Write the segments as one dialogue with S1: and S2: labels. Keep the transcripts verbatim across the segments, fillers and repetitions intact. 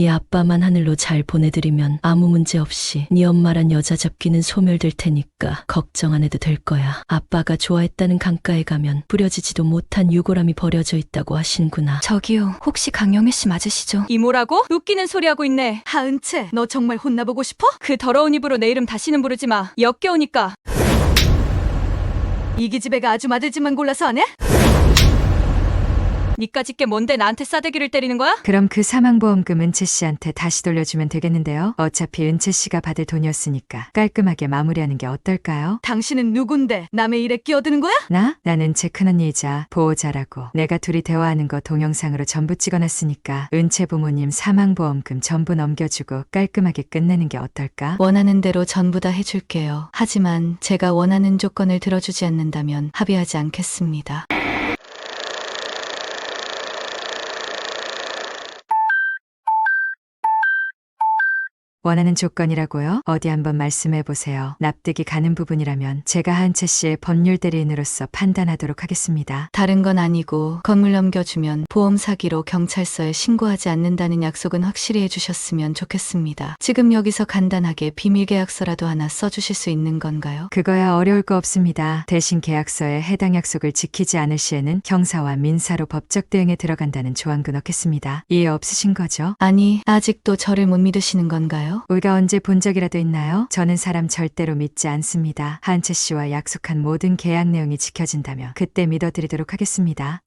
S1: 이 아빠만 하늘로 잘 보내드리면 아무 문제 없이 네 엄마란 여자 잡기는 소멸될 테니까 걱정 안 해도 될 거야. 아빠가 좋아했다는 강가에 가면 뿌려지지도 못한 유골함이 버려져 있다고 하신구나.
S2: 저기요, 혹시 강영애 씨 맞으시죠?
S3: 이모라고? 웃기는 소리 하고 있네. 하은채, 너 정말 혼나보고 싶어? 그 더러운 입으로 내 이름 다시는 부르지 마. 역겨우니까. 이 기집애가 아주 마들집만 골라서 안 해? 니까짓 게 뭔데 나한테 싸대기를 때리는 거야?
S4: 그럼 그 사망보험금 은채 씨한테 다시 돌려주면 되겠는데요. 어차피 은채 씨가 받을 돈이었으니까 깔끔하게 마무리하는 게 어떨까요?
S3: 당신은 누군데 남의 일에 끼어드는 거야?
S4: 나? 난 은채 큰언니이자 보호자라고. 내가 둘이 대화하는 거 동영상으로 전부 찍어놨으니까 은채 부모님 사망보험금 전부 넘겨주고 깔끔하게 끝내는 게 어떨까?
S2: 원하는 대로 전부 다 해줄게요. 하지만 제가 원하는 조건을 들어주지 않는다면 합의하지 않겠습니다.
S4: 원하는 조건이라고요? 어디 한번 말씀해 보세요. 납득이 가는 부분이라면 제가 하은채 씨의 법률 대리인으로서 판단하도록 하겠습니다.
S2: 다른 건 아니고 건물 넘겨주면 보험 사기로 경찰서에 신고하지 않는다는 약속은 확실히 해주셨으면 좋겠습니다. 지금 여기서 간단하게 비밀 계약서라도 하나 써주실 수 있는 건가요?
S4: 그거야 어려울 거 없습니다. 대신 계약서에 해당 약속을 지키지 않을 시에는 형사와 민사로 법적 대응에 들어간다는 조항도 넣겠습니다. 이해 없으신 거죠?
S2: 아니, 아직도 저를 못 믿으시는 건가요?
S4: 우리가 언제 본 적이라도 있나요? 저는 사람 절대로 믿지 않습니다. 하은채 씨와 약속한 모든 계약 내용이 지켜진다면 그때 믿어드리도록 하겠습니다.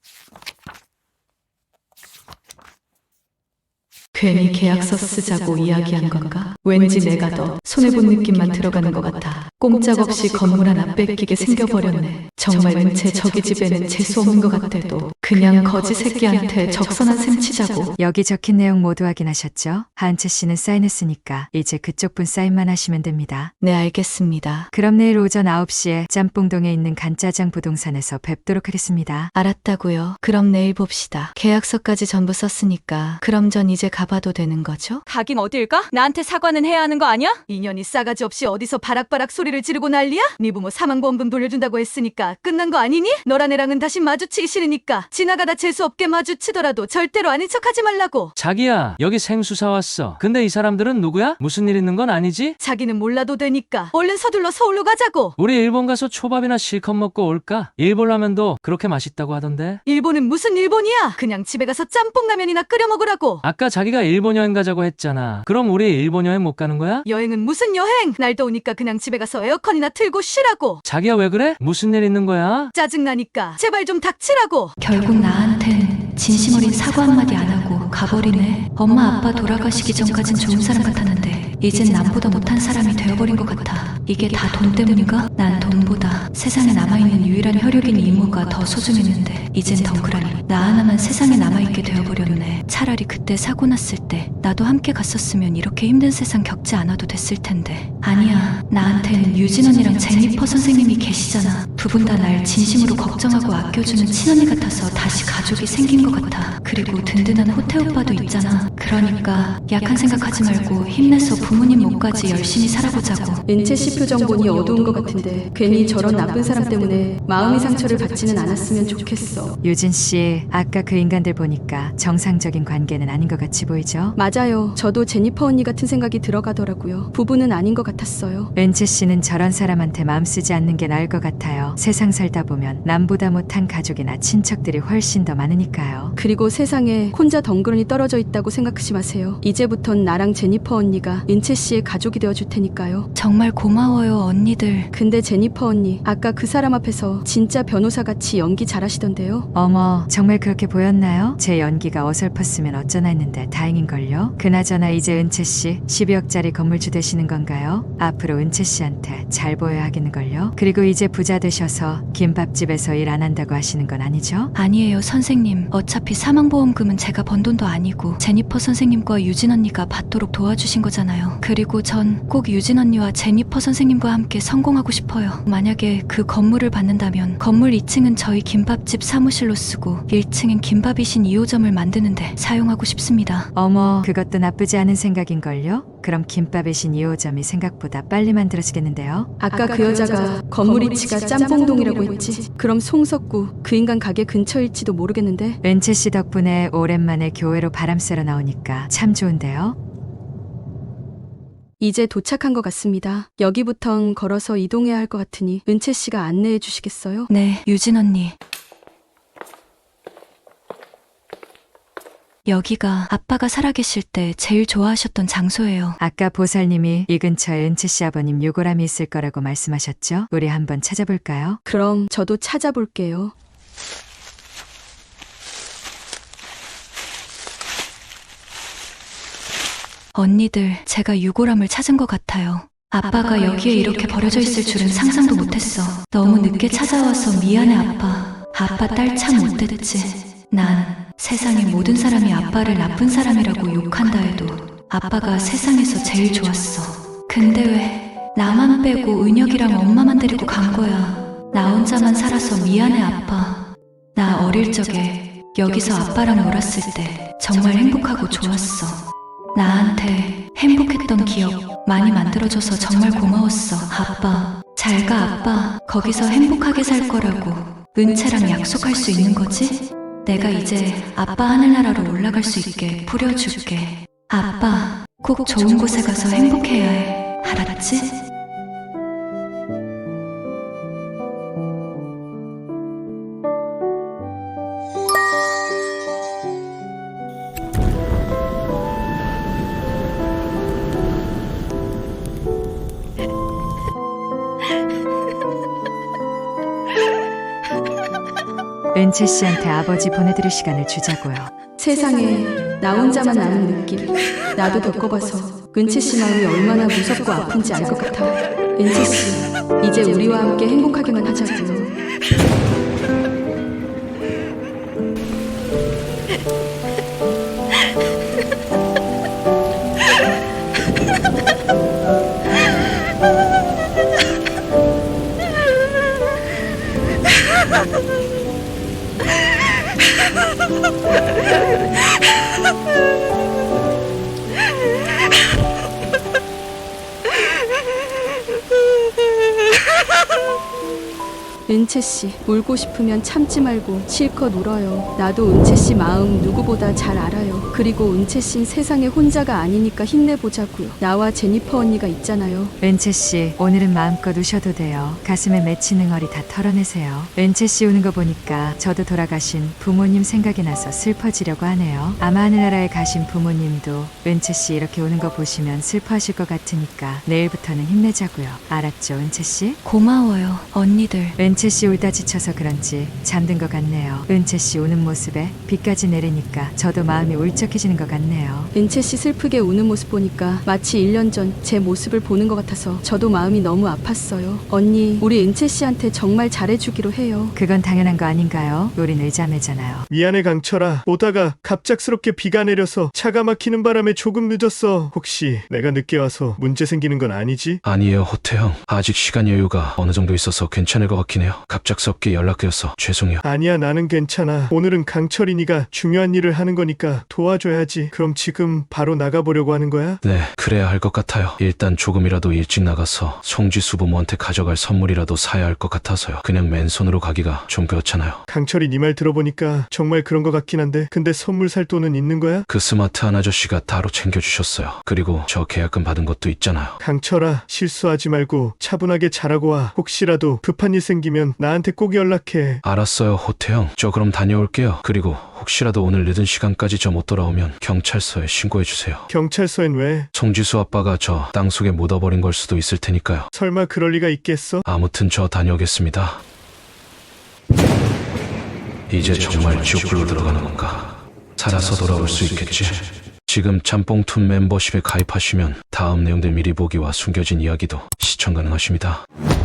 S2: 괜히 계약서 쓰자고 이야기한 건가? 왠지 내가 더 손해본 느낌만 들어가는 것 같아. 꼼짝없이 건물 하나 뺏기게 생겨버렸네. 정말 은채 저기 집에는 재수없는 것 같아도 그냥 거지 새끼한테 적선한 셈 치자고.
S4: 여기 적힌 내용 모두 확인하셨죠? 하은채 씨는 사인했으니까 이제 그쪽 분 사인만 하시면 됩니다.
S2: 네, 알겠습니다.
S4: 그럼 내일 오전 아홉 시에 짬뽕동에 있는 간짜장 부동산에서 뵙도록 하겠습니다.
S2: 알았다고요. 그럼 내일 봅시다. 계약서까지 전부 썼으니까 그럼 전 이제 가봐도 되는 거죠?
S3: 가긴 어딜까? 나한테 사과는 해야 하는 거 아니야? 인연이 싸가지 없이 어디서 바락바락 소리를 지르고 난리야? 네 부모 사망보험금 돌려준다고 했으니까 끝난 거 아니니? 너랑 애랑은 다시 마주치기 싫으니까 지나가다 재수없게 마주치더라도 절대로 아닌 척하지 말라고.
S5: 자기야, 여기 생수 사왔어. 근데 이 사람들은 누구야? 무슨 일 있는 건 아니지?
S3: 자기는 몰라도 되니까 얼른 서둘러 서울로 가자고.
S5: 우리 일본 가서 초밥이나 실컷 먹고 올까? 일본 라면도 그렇게 맛있다고 하던데.
S3: 일본은 무슨 일본이야? 그냥 집에 가서 짬뽕 라면이나 끓여 먹으라고.
S5: 아까 자기가 일본 여행 가자고 했잖아. 그럼 우리 일본 여행 못 가는 거야?
S3: 여행은 무슨 여행? 날 더우니까 그냥 집에 가서 에어컨이나 틀고 쉬라고.
S5: 자기야, 왜 그래? 무슨 일 있는 거야?
S3: 짜증나니까 제발 좀 닥치라고.
S2: 결국 나한텐 진심 어린 사과 한마디 안 하고 가버리네. 엄마 아빠 돌아가시기 전까진 좋은 사람 같았는데 이젠 남보다 못한 사람이 되어버린 것 같아. 이게 다 돈 때문인가? 난 돈보다 세상에 남아있는 유일한 혈육인 이모가 더 소중했는데 이젠 덩그라니 나 하나만 세상에 남아있게 되어버렸네. 차라리 그때 사고 났을 때 나도 함께 갔었으면 이렇게 힘든 세상 겪지 않아도 됐을 텐데. 아니야, 나한테는 유진 언니랑 제니퍼 선생님이 계시잖아. 두 분 다 날 진심으로 걱정하고 아껴주는 친언니 같아서 다시 가족이 생긴 것 같아. 그리고 든든한 호태 오빠도 있잖아. 그러니까 약한 생각하지 말고 힘내서 부모님 목까지 열심히 살아보자고.
S6: 은채 씨 표정 보니 어두운 것 같은데 괜히 저런 나쁜 사람 때문에 마음의 상처를 받지는 않았으면 좋겠어.
S4: 유진 씨, 아까 그 인간들 보니까 정상적인 관계는 아닌 것 같이 보이죠?
S6: 맞아요. 저도 제니퍼 언니 같은 생각이 들어가더라고요. 부부는 아닌 것 같았어요.
S4: 은채 씨는 저런 사람한테 마음 쓰지 않는 게 나을 것 같아요. 세상 살다 보면 남보다 못한 가족이나 친척들이 훨씬 더 많으니까요.
S6: 그리고 세상에 혼자 덩그러니 떨어져 있다고 생각하지 마세요. 이제부턴 나랑 제니퍼 언니가 은채 씨의 가족이 되어줄 테니까요.
S2: 정말 고마워요, 언니들.
S6: 근데 제니퍼 언니, 아까 그 사람 앞에서 진짜 변호사같이 연기 잘하시던데요?
S4: 어머, 정말 그렇게 보였나요? 제 연기가 어설펐으면 어쩌나 했는데 다행인걸요? 그나저나 이제 은채 씨 십이억짜리 건물주 되시는 건가요? 앞으로 은채 씨한테 잘 보여야 하겠는걸요? 그리고 이제 부자 되셔서 김밥집에서 일 안 한다고 하시는 건 아니죠?
S2: 아니에요, 선생님. 어차피 사망보험금은 제가 번 돈도 아니고 제니퍼 선생님과 유진 언니가 받도록 도와주신 거잖아요. 그리고 전 꼭 유진 언니와 제니퍼 선생님과 함께 성공하고 싶어요. 만약에 그 건물을 받는다면 건물 이 층은 저희 김밥집 사무실로 쓰고 일 층엔 김밥이신 이 호점을 만드는데 사용하고 싶습니다.
S4: 어머, 그것도 나쁘지 않은 생각인걸요? 그럼 김밥의 신 이 호점이 생각보다 빨리 만들어지겠는데요?
S6: 아까 그 여자가 건물 위치가 짬뽕동이라고 했지. 그럼 송석구 그 인간 가게 근처일지도 모르겠는데.
S4: 은채 씨 덕분에 오랜만에 교회로 바람 쐬러 나오니까 참 좋은데요?
S6: 이제 도착한 것 같습니다. 여기부턴 걸어서 이동해야 할 것 같으니 은채 씨가 안내해 주시겠어요?
S2: 네, 유진 언니. 여기가 아빠가 살아계실 때 제일 좋아하셨던 장소예요.
S4: 아까 보살님이 이 근처에 은채 씨 아버님 유골함이 있을 거라고 말씀하셨죠? 우리 한번 찾아볼까요?
S6: 그럼 저도 찾아볼게요.
S2: 언니들, 제가 유골함을 찾은 것 같아요. 아빠가 여기에 이렇게 버려져 있을 줄은 상상도 못했어. 너무 늦게 찾아와서 미안해, 아빠. 아빠 딸 참 못됐지. 난 세상의 모든 사람이 아빠를 나쁜 사람이라고 욕한다 해도 아빠가 세상에서 제일 좋았어. 근데 왜 나만 빼고 은혁이랑 엄마만 데리고 간 거야. 나 혼자만 살아서 미안해, 아빠. 나 어릴 적에 여기서 아빠랑 놀았을 때 정말 행복하고 좋았어. 나한테 행복했던 기억 많이 만들어줘서 정말 고마웠어. 아빠, 잘 가, 아빠. 거기서 행복하게 살 거라고 은채랑 약속할 수 있는 거지? 내가 이제 아빠 하늘나라로 올라갈 수 있게 부려줄게. 아빠, 꼭 좋은 곳에 가서 행복해야 해. 알았지?
S4: 은채 씨한테 아버지 보내드릴 시간을 주자고요.
S6: 세상에 나 혼자만 아는 느낌. 나도 겪어봐서 은채 씨 마음이 얼마나 무섭고 아픈지 알 것 같아. 은채 씨, 이제 우리와 함께 행복하게만 하자고요. 은채 씨, 울고 싶으면 참지 말고 실컷 울어요. 나도 은채 씨 마음 누구보다 잘 알아요. 그리고 은채 씨는 세상에 혼자가 아니니까 힘내보자고요. 나와 제니퍼 언니가 있잖아요.
S4: 은채 씨, 오늘은 마음껏 우셔도 돼요. 가슴에 맺힌 응어리 다 털어내세요. 은채 씨 우는 거 보니까 저도 돌아가신 부모님 생각이 나서 슬퍼지려고 하네요. 아마 하늘나라에 가신 부모님도 은채 씨 이렇게 우는 거 보시면 슬퍼하실 것 같으니까 내일부터는 힘내자고요. 알았죠, 은채 씨?
S2: 고마워요, 언니들.
S4: 은채 씨 울다 지쳐서 그런지 잠든 것 같네요. 은채 씨 우는 모습에 비까지 내리니까 저도 마음이 울적해지는 것 같네요.
S6: 은채 씨 슬프게 우는 모습 보니까 마치 일 년 전 제 모습을 보는 것 같아서 저도 마음이 너무 아팠어요. 언니, 우리 은채 씨한테 정말 잘해주기로 해요.
S4: 그건 당연한 거 아닌가요? 우린 의자매잖아요.
S7: 미안해 강철아. 오다가 갑작스럽게 비가 내려서 차가 막히는 바람에 조금 늦었어. 혹시 내가 늦게 와서 문제 생기는 건 아니지?
S8: 아니에요, 호태형. 아직 시간 여유가 어느 정도 있어서 괜찮을 것 같긴 해요. 갑작스럽게 연락드려서 죄송해요.
S7: 아니야, 나는 괜찮아. 오늘은 강철이니가 중요한 일을 하는 거니까 도와줘야지. 그럼 지금 바로 나가보려고 하는 거야?
S8: 네, 그래야 할 것 같아요. 일단 조금이라도 일찍 나가서 송지수 부모한테 가져갈 선물이라도 사야 할 것 같아서요. 그냥 맨손으로 가기가 좀 그렇잖아요.
S7: 강철이 네 말 들어보니까 정말 그런 것 같긴 한데, 근데 선물 살 돈은 있는 거야?
S8: 그 스마트한 아저씨가 따로 챙겨주셨어요. 그리고 저 계약금 받은 것도 있잖아요.
S7: 강철아, 실수하지 말고 차분하게 잘하고 와. 혹시라도 급한 일 생기면 나한테 꼭 연락해.
S8: 알았어요, 호태형. 저 그럼 다녀올게요. 그리고 혹시라도 오늘 늦은 시간까지 저 못 돌아오면 경찰서에 신고해주세요.
S7: 경찰서엔 왜?
S8: 송지수 아빠가 저 땅속에 묻어버린 걸 수도 있을 테니까요.
S7: 설마 그럴 리가 있겠어?
S8: 아무튼 저 다녀오겠습니다. 이제 정말 지옥불로 들어가는 건가? 살아서 돌아올 수 있겠지? 지금 짬뽕툰 멤버십에 가입하시면 다음 내용들 미리 보기와 숨겨진 이야기도 시청 가능하십니다.